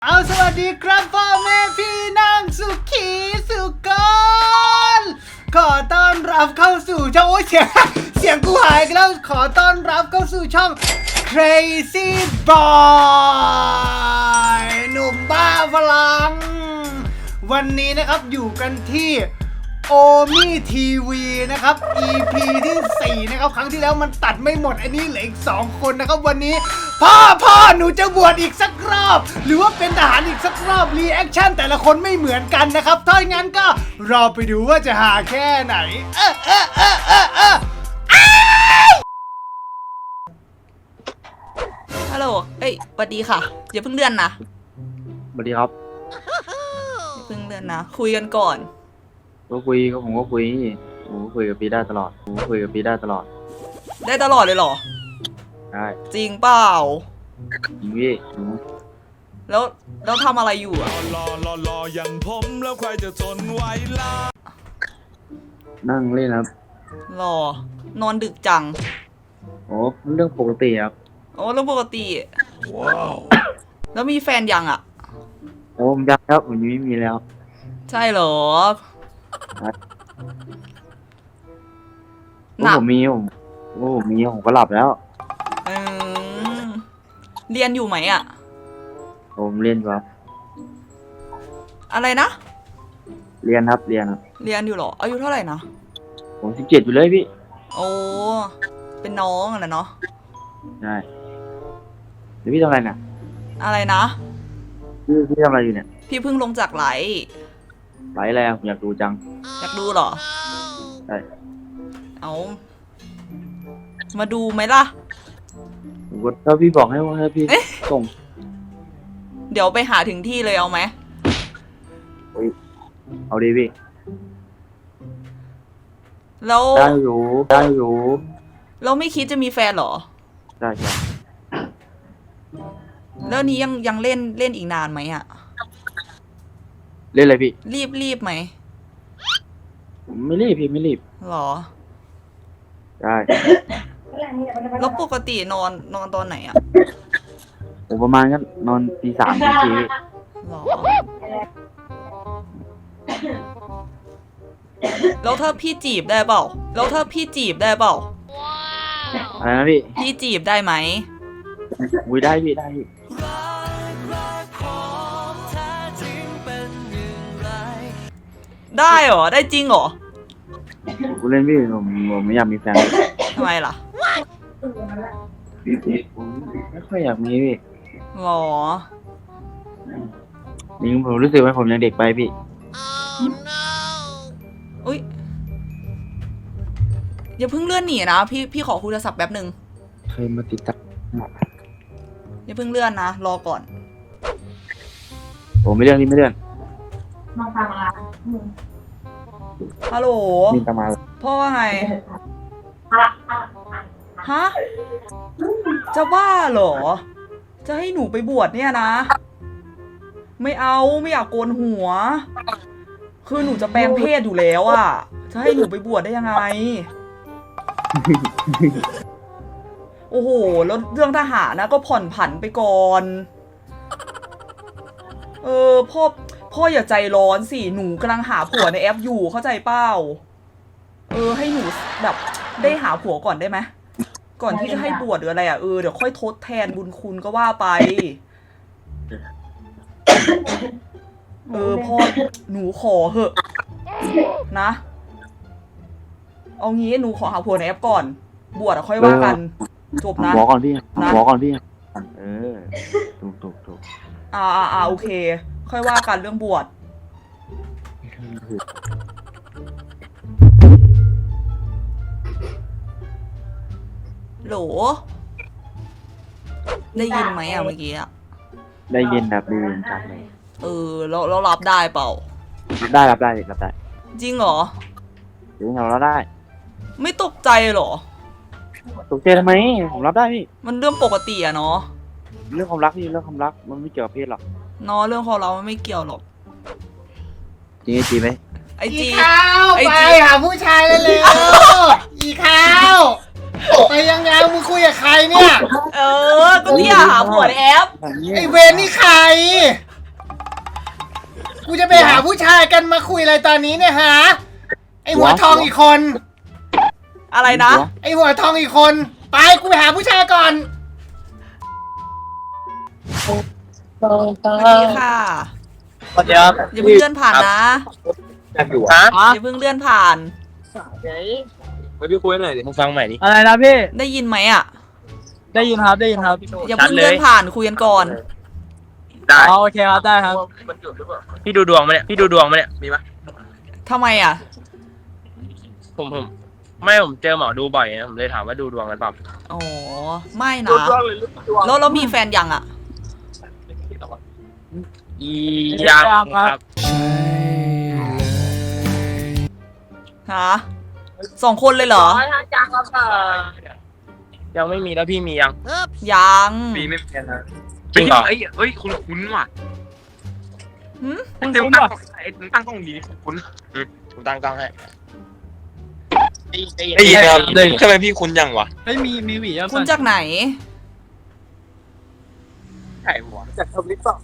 สวัสดีครับพ่อแม่พี่น้องสุขีสุกรขอต้อนรับเข้าสู่ช่องโอ้ยเสียงกูหายกันแล้วขอต้อนรับเข้าสู่ช่อง Crazy Boy หนุ่มบ้าพลังวันนี้นะครับอยู่กันที่โอมี่ทีวีนะครับ EP ที่ 4 นะครับครั้งที่แล้วมันตัดไม่หมดอันนี้เหลืออีก 2 คนนะครับวันนี้พ่อหนูจะบวชอีกสักรอบหรือว่าเป็นทหารอีกสักรอบรีแอคชั่นแต่ละคนไม่เหมือนกันนะครับถ้าอย่างนั้นก็รอไปดูว่าจะหาแค่ไหนฮัลโหลเอ้ยสวัสดีค่ะอย่าเพิ่งเลื่อนนะสวัสดีครับอย่าเพิ่งเลื่อนนะคุยกันก่อนผมก็คุยกับพี่ได้ตลอดได้ตลอดเลยเหรอได้จริงเปล่าจริงพี่แล้วทำอะไรอยู่อะรออย่างผมแล้วใครจะทนไหวล่ะนั่งเล่นครับรอนอนดึกจังโอ้เรื่องปกติครับโอ้เรื่องปกติว้าวแล้วมีแฟนยังอะโอ้ผมยักครับผมยังไม่มีแล้วใช่เหรอโอ้ผมมีผมก็หลับแล้วอืมเรียนอยู่ไหมอะผมเรียนครับอะไรนะเรียนครับเรียนอยู่เหรออายุเท่าไหร่นะผม17อยู่เลยพี่โอ้เป็นน้องอะนะเนาะใช่เดี๋ยวพี่ทำอะไรน่ะอะไรนะพี่ทำอะไรอยู่เนี่ยพี่เพิ่งลงจากไลฟ์ไลฟ์อะไรผมอยากดูจังอยากดูเหรอใช่เอามาดูไหมล่ะผมก็ถ้าพี่บอกให้พี่ส่งเดี๋ยวไปหาถึงที่เลยเอาไหมเอาดีพี่แล้วได้อยู่แล้วไม่คิดจะมีแฟนเหรอได้ใช่แล้วนี้ยังเล่นอีกนานไหมอะเล่นอะไรพี่รีบไหมผมไม่รีบพี่ไม่รีบหรอได้แล้วปกตินอนตอนไหนอะผมประมาณก็นอนตี 3ตี 4 หรอ แล้วถ้าพี่จีบได้เปล่าอะไรนะพี่พี่จีบได้ไหมอุ้ยได้พี่ได้พี่ได้เหรอ ได้จริงเหรอกูเล่นพี่ผมไม่อยากมีแฟนทำไมล่ะผมไม่ค่อยอยากมีพี่หรอนี่ผมรู้สึกว่าผมยังเด็กไปพี่อุ้ยอย่าเพิ่งเลื่อนหนีนะพี่ขอคุยโทรศัพท์แป๊บหนึ่งเคยมาติดตามอย่าเพิ่งเลื่อนนะรอก่อนผมไม่เลื่อนนี่ไม่เลื่อนฮัลโหลนี่ตามมาพ่อว่าไง ฮะ จะบ้าเหรอ จะให้หนูไปบวชเนี่ยนะ ไม่เอาไม่อยากโกนหัว คือหนูจะแปลงเพศอยู่แล้วอะจะให้หนูไปบวชได้ยังไง โอ้โห แล้วเรื่องทหารนะก็ผ่อนผันไปก่อน พ่ออย่าใจร้อนสิ หนูกำลังหาผัวในแอปอยู่เข้าใจเปล่า ให้หนูแบบได้หาผัวก่อนได้ไหม ก่อนที่จะให้บวชหรืออะไรอ่ะ เดี๋ยวค่อยทดแทนบุญคุณก็ว่าไป พ่อหนูขอเหอะนะ เอางี้หนูขอหาผัวในแอปก่อน บวชค่อยว่ากัน จบนะหัวก่อนพี่หัวก่อนพี่ถูกโอเค ค่อยว่ากันเรื่องบวช โหล ได้ยินไหมอะเมื่อกี้อะได้ยินแบบได้ยินชัดเลยเรารับได้เปล่ารับได้จริงเหรอเดี๋ยวเราได้ไม่ตกใจเหรอตกใจทำไมผมรับได้พี่มันเรื่องปกติอะเนาะเรื่องความรักพี่เรื่องความรักมันไม่เกี่ยวกับเพศหรอกเนาะเรื่องของเรามันไม่เกี่ยวหรอกจริงไหมไอจีอีข้าวไอ้ไปจีหาผู้ชายเร็วๆอีข้าวไปยังไงมึงคุยกับใครเนี่ยก็ที่หาผัวในแอปไอเวนนี่ใครกูจะไปหาผู้ชายกันมาคุยอะไรตอนนี้เนี่ยฮะไอหัวทองอีกคนอะไรนะไอหัวทองอีกคน ไปกูไปหาผู้ชายก่อนสวัสดีค่ะสวัสดีครับอย่าเพิ่งเลื่อนผ่านนะอยากอยู่ฮะอย่าเพิ่งเลื่อนผ่านไปพี่คุยหน่อยดิมึงฟังใหม่ดิอะไรนะพี่ได้ยินไหมอ่ะได้ยินครับได้ยินครับอย่าเพิ่งเลื่อนผ่านคุยกันก่อนได้อ๋อโอเคครับได้ครับพี่ดูดวงมาเนี่ยพี่ดูดวงมาเนี่ยมีปะทำไมอ่ะผมผมเจอหมอดูบ่อยนะผมเลยถามว่าดูดวงกันเปล่าอ๋อ ไม่นะ แล้วมีแฟนยังอ่ะอียังครับฮะ2 คนเลยเหรอยังไม่มีแล้วพี่มียังยังมีไม่เป็นนะจริงเหรอเฮ้ยคุ้นว่ะหึเต็มตั้งตั้งกล้องดีคุ้นผมตั้งกล้องให้ได้ยินครับทำไมพี่คุ้นยังวะเฮ้ยมีหวีอ่ะคุณจากไหนใช่หัวจากทวิตต่อ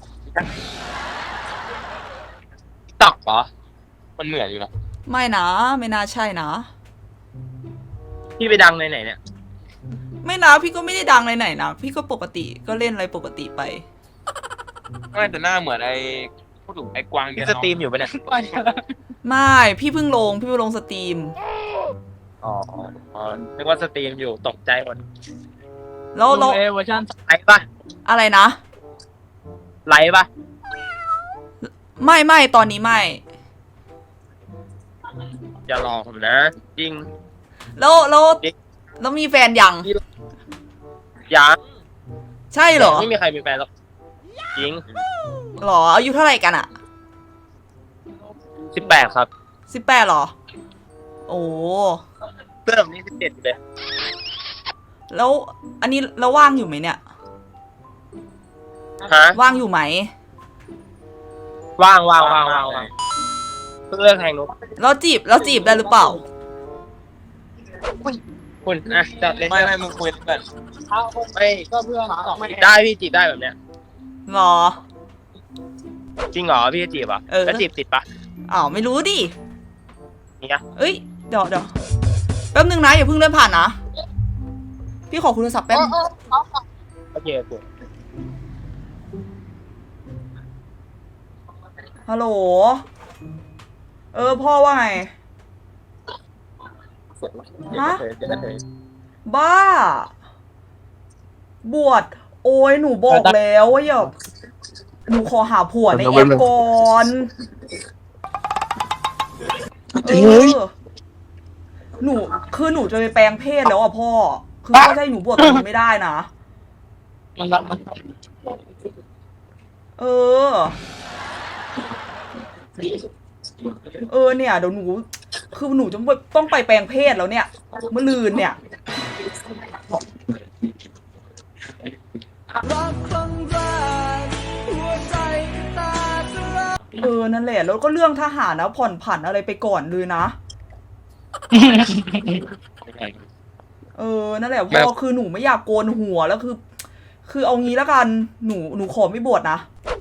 ตักเหรอมันเหมือนอยู่นะไม่นะ ไม่น่าใช่นะพี่ไปดังในไหนเนี่ยไม่นะ พี่ก็ไม่ได้ดังไหนๆนะ พี่ก็ปกติ ก็เล่นอะไรปกติไปไม่แต่หน้าเหมือนไอ้พูดถึงไอ้กวางที่สตรีมอยู่ปะเนี่ยไม่ พี่เพิ่งลงสตรีมอ๋อนึกว่าสตรีมอยู่ตกใจหมดแล้วเวอร์ชันไลฟ์ปะอะไรนะไลฟ์ปะไม่ตอนนี้ไม่อย่าหลอกผมนะจริงแล้วมีแฟนยังยังใช่เหรอไม่มีใครมีแฟนหรอกจริงหรอ อายุเท่าไหร่กันอะ 18ครับ 18หรอ โอ้เพื่อนผมนี่17เลยแล้วอันนี้แล้วว่างอยู่ไหมเนี่ยฮะว่างอยู่ไหมว่างเพื่อนแทงนกแล้วจีบได้หรือเปล่าคุณนะจัดเลยไม่มึงคุยกันไม่ก็เพื่อนจีบได้พี่จีบได้แบบเนี้ยหรอจริงเหรอพี่จะจีบอ่ะเออแล้วจีบติดปะอ้าวไม่รู้ดิเนี่ยเอ้ยเดี๋ยวแป๊บนึงนะอย่าเพิ่งเลื่อนผ่านนะ พี่ขอคุยโทรศัพท์แป๊บโอเคฮัลโหล พ่อว่าไง ฮะ บ้า บวชโอ้ยหนูบอกแล้วว่าอย่าหนูขอหาผัวในแอปก่อนหนูคือหนูจะไปแปลงเพศแล้วอ่ะพ่อ คือพ่อจะให้หนูบวชตรงนี้ไม่ได้นะมันรับมันเนี่ยเดี๋ยวหนูคือหนูจะต้องไปแปลงเพศแล้วเนี่ยเมื่อลืนเนี่ย นั่นแหละแล้วก็เรื่องทหารนะผ่อนผันอะไรไปก่อนเลยนะ นั่นแหละพ่อคือหนูไม่อยากโกนหัวแล้วคือเอางี้แล้วกันหนูขอไม่บวชนะ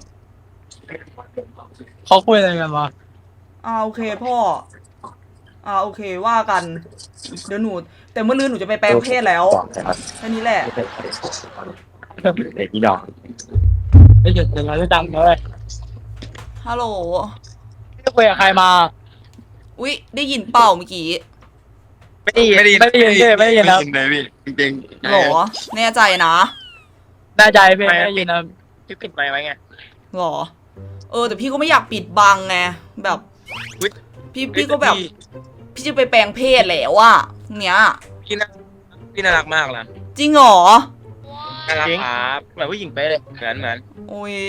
เขาคุยอะไรกันวะโอเคพ่อโอเคว่ากัน เดี๋ยวหนูแต่เมื่อลืนหนูจะไปแปลงเพศแล้วแค่นี้แหละเด็กนี่ดอกไม่หยุดอย่างไรไม่ดังเลยฮัลโหลพี่คุยกับใครมาอุ๊ยได้ยินเปล่าเมื่อกี้ไม่ได้ยินไม่ได้ยินครับเลยพี่จริงหรอแน่ใจนะแน่ใจพี่ไม่ได้ยินนะพี่ปิดไมค์ไว้ไงหรอแต่พี่ก็ไม่อยากปิดบังไงแบบพี่ก็แบบพี่จะไปแปลงเพศแล้วอะเนี้ยพี่น่ารักมากนะจริงเหรอน่ารักครับเหมือนผู้หญิงไปเลยเหมือนโอ้ย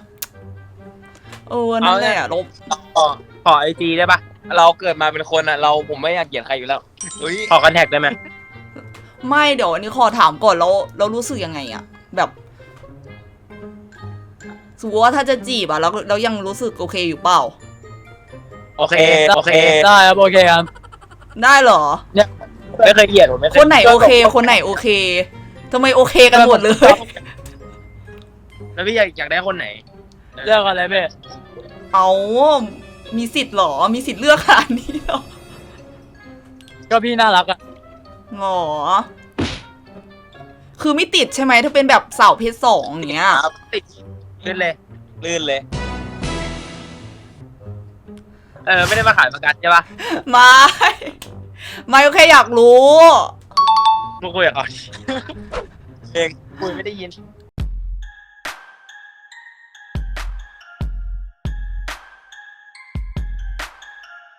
นั่นแหละลบขอไอจีได้ปะเราเกิดมาเป็นคนอ่ะผมไม่อยากเกลียดใครอยู่แล้วขอคอนแทคได้ไหมไม่เดี๋ยวอันนี้ขอถามก่อนเรารู้สึกยังไงอะแบบสมมติว่าถ้าจะจีบอะแล้วยังรู้สึกโอเคอยู่เปล่าโอเคได้ครับโอเคครับได้เหรอไม่เคยเกลียดผมไม่เคยคนไหนโอเค คนไหนโอเคทำไมโอเคกันหมดเลยแล้วพี่อยากได้คนไหนเรื่องอะไรพี่เอามีสิทธิ์เหรอ มีสิทธิ์เลือกขนาดนี้เหรอก็พี่น่ารักอะหรอ คือไม่ติดใช่ไหมถ้าเป็นแบบสาวเพศสองอย่างเงี้ยครับติดลื่นเลยลื่นเลย ไม่ได้มาขายประกันใช่ปะไม่ไม่ก็แค่อยากรู้มาคุยกับเขาเองคุยไม่ได้ยิน